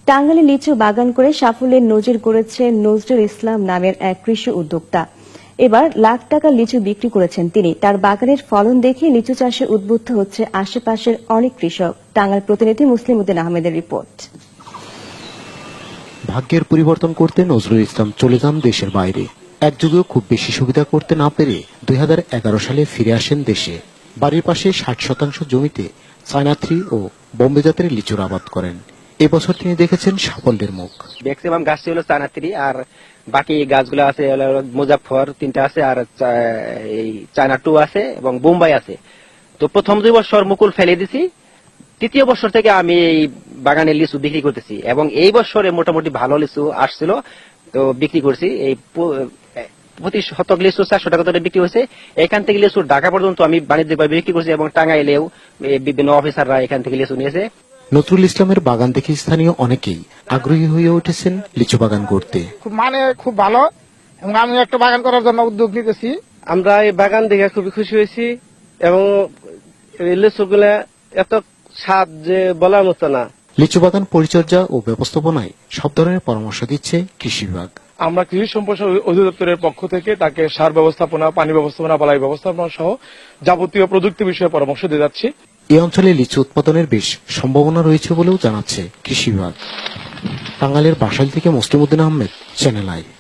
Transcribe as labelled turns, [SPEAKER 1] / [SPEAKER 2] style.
[SPEAKER 1] টাঙ্গাইলে লিচু বাগান করে সাফল্যের নজির গড়েছেন নজরুল ইসলাম নামের এক কৃষি উদ্যোক্তা। এবার লাখ টাকা লিচু বিক্রি করেছেন তিনি। তার বাগানের ফলন দেখে লিচু চাষে উদ্বুদ্ধ হচ্ছে আশেপাশের অনেক কৃষক। টাঙ্গাইল প্রতিনিধি মুসলিম উদ্দিন আহমেদের রিপোর্ট।
[SPEAKER 2] ভাগ্যের পরিবর্তন করতে নজরুল ইসলাম চলে যান দেশের বাইরে। এক যুগেও খুব বেশি সুবিধা করতে না পেরে 2011 সালে ফিরে আসেন দেশে। বাড়ির পাশে 60% জমিতে চায়না থ্রি ও বোম্বে জাতের লিচুর আবাদ করেন। এবছর তিনি দেখেছেন সাফল্যের মুখ।
[SPEAKER 3] ম্যাক্সিমাম গাছটি হলো চায়না থ্রি, আর বাকি গাছগুলো আছে মুজাফফর 3টা আছে, আর এই চায়না 2 আছে এবং বোম্বাই আছে। তো প্রথম 2 বছর মুকুল ফেলে দিছি, তৃতীয় বছর থেকে আমি এই বাগানের লিচু বিক্রি করতেছি এবং এই বছরে মোটামুটি ভালো লিচু আসছিল, তো বিক্রি করছি। এই প্রতি শতক লিচু 400 টাকা করে বিক্রি হয়েছে। এখান থেকে লিচু ঢাকা পর্যন্ত আমি বাণিজ্যিকভাবে বিক্রি করছি এবং টাঙ্গাইলেও বিভিন্ন অফিসাররা এখান থেকে লিচু নিয়েছে।
[SPEAKER 2] নজরুল ইসলামের বাগান দেখে স্থানীয় অনেকেই আগ্রহী হয়ে উঠেছেন লিচু বাগান করতে।
[SPEAKER 4] খুব ভালো, এবং আমি একটা বাগান করার জন্য উদ্যোগ নিতেছি।
[SPEAKER 5] আমরা এই বাগান দেখে খুবই খুশি হয়েছি এবং এই লিচুগুলা এত স্বাদ যে বলার মতো না।
[SPEAKER 2] লিচু বাগান পরিচর্যা ও ব্যবস্থাপনায় সব ধরনের পরামর্শ দিচ্ছে কৃষি বিভাগ।
[SPEAKER 4] আমরা কৃষি সম্প্রসারণ অধিদপ্তরের পক্ষ থেকে তাকে সার ব্যবস্থাপনা, পানি ব্যবস্থাপনা, বালাই ব্যবস্থাপনা সহ যাবতীয় প্রযুক্তি বিষয়ে পরামর্শ দিয়ে যাচ্ছি।
[SPEAKER 2] এই অঞ্চলে লিচু উৎপাদনের বেশ সম্ভাবনা রয়েছে বলেও জানাচ্ছে কৃষি বিভাগ। টাঙ্গাইলের বাসাইল থেকে মুসলিম উদ্দিন আহমেদ, চ্যানেল আই।